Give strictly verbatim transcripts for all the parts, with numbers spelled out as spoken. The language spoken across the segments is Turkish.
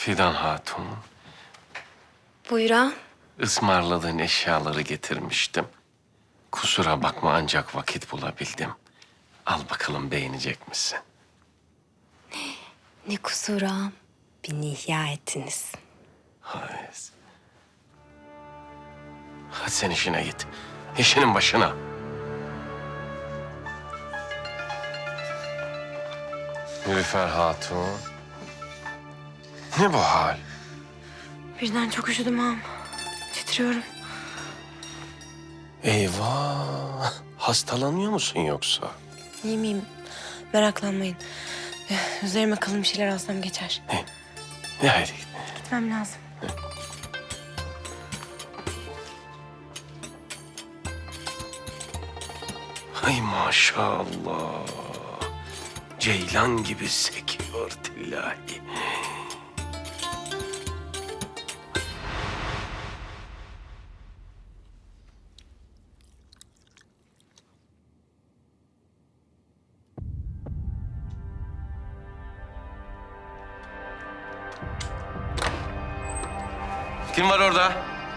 Fidan Hatun, Buyur ağam. ısmarladığın eşyaları getirmiştim. Kusura bakma ancak vakit bulabildim. Al bakalım beğenecek misin? Ne kusuru ağam. Beni ihya ettiniz. Hayır. Hadi sen işine git. İşinin başına. Nilüfer Hatun. Ne bu hal? Birden çok üşüdüm ağam. Titriyorum. Eyvah. Hastalanıyor musun yoksa? İyi miyim? Meraklanmayın. Eh, Üzerime kalın bir şeyler alsam geçer. Ne haydi. Gitmem lazım. Ay maşallah. Ceylan gibi sekiyor tillahi. Kim var orada?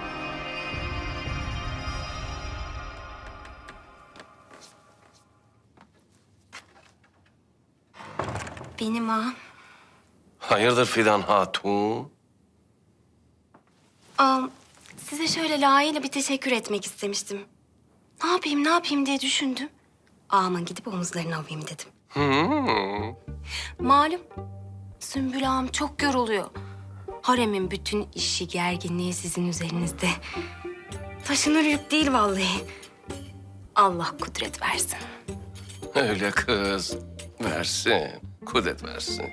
Benim ağam. Hayırdır Fidan Hatun? Ağam, size şöyle layığıyla bir teşekkür etmek istemiştim. Ne yapayım, ne yapayım diye düşündüm. Ağamın gidip omuzlarını alayım dedim. Hmm. Malum, Sümbül ağam çok yoruluyor. Haremin bütün işi, gerginliği sizin üzerinizde. Taşınır yük değil vallahi. Allah kudret versin. Öyle kız. Versin. Kudret versin.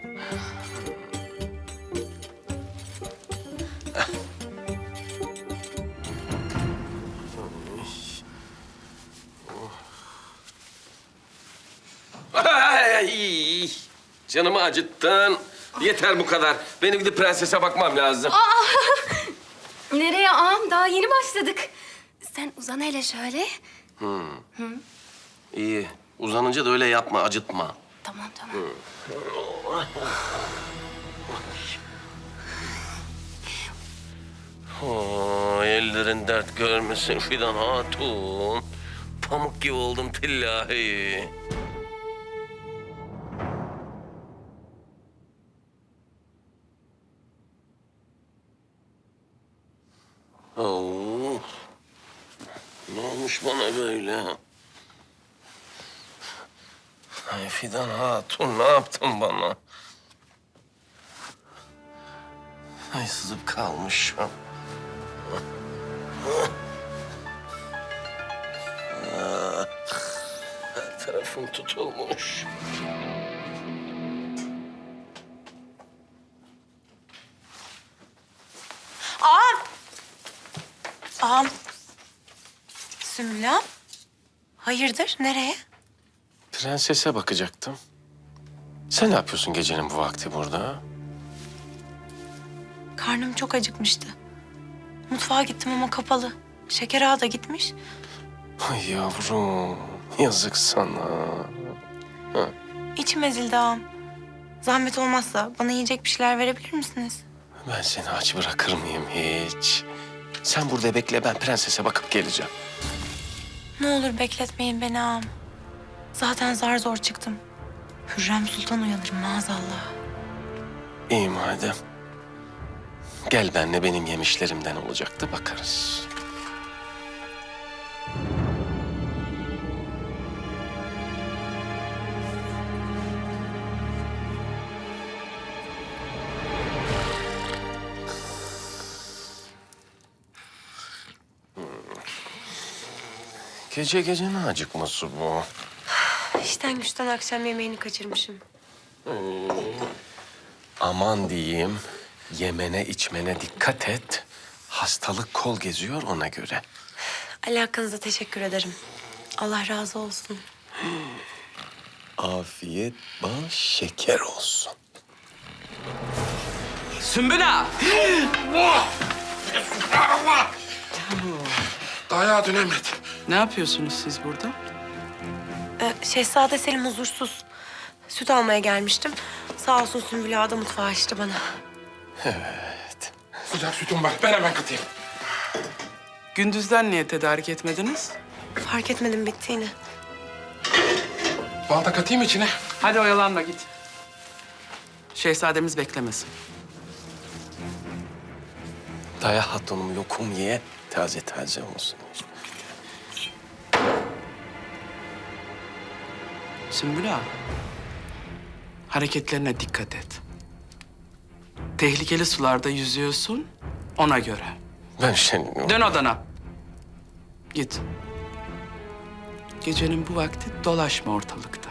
Ay, canımı acıttın. Yeter bu kadar. Benim gidip prensese bakmam lazım. Nereye ağam? Daha yeni başladık. Sen uzan hele şöyle. İyi. Uzanınca da öyle yapma, acıtma. Tamam, tamam. Ay, ellerin dert görmesin Fidan Hatun. Pamuk gibi oldum tillahi. Oo. Ne olmuş bana böyle? Ay Fidan Hatun ne yaptın bana? Ay sızıp kalmışım. Her tarafım tutulmuş. Ağam! Ağam. Sümbül ağam. Hayırdır? Nereye? Prensese bakacaktım. Sen ne yapıyorsun gecenin bu vakti burada? Karnım çok acıkmıştı. Mutfağa gittim ama kapalı. Şeker ağa da gitmiş. Ay yavrum, yazık sana. İçim ezildi ağam. Zahmet olmazsa bana yiyecek bir şeyler verebilir misiniz? Ben seni aç bırakır mıyım hiç? Sen burada bekle, ben prensese bakıp geleceğim. Ne olur bekletmeyin beni ağam. Zaten zar zor çıktım. Hürrem Sultan uyanır maazallah. İyi madem. Gel benle, benim yemişlerimden olacaktı, bakarız. Gece gece ne acıkması bu? İşten güçten akşam yemeğini kaçırmışım. Aman diyeyim, yemene içmene dikkat et. Hastalık kol geziyor ona göre. Alakanıza teşekkür ederim. Allah razı olsun. Afiyet bal şeker olsun. Sümbül ağa! Dayağı dönemedi. Ne yapıyorsunuz siz burada? Ee, Şehzade Selim huzursuz. Süt almaya gelmiştim. Sağ olsun Sümbül ağa da mutfağı açtı bana. Sıcak sütüm var. Ben hemen katayım. Gündüzden niye tedarik etmediniz? Fark etmedim bittiğini. Bal da katayım içine. Hadi oyalanma git. Şehzademiz beklemesin. Daya hatunum lokum ye. Taze taze olsun. Sümbül Ağa, hareketlerine dikkat et. Tehlikeli sularda yüzüyorsun, ona göre. Ben senin... Dön odana. Git. Gecenin bu vakti dolaşma ortalıkta.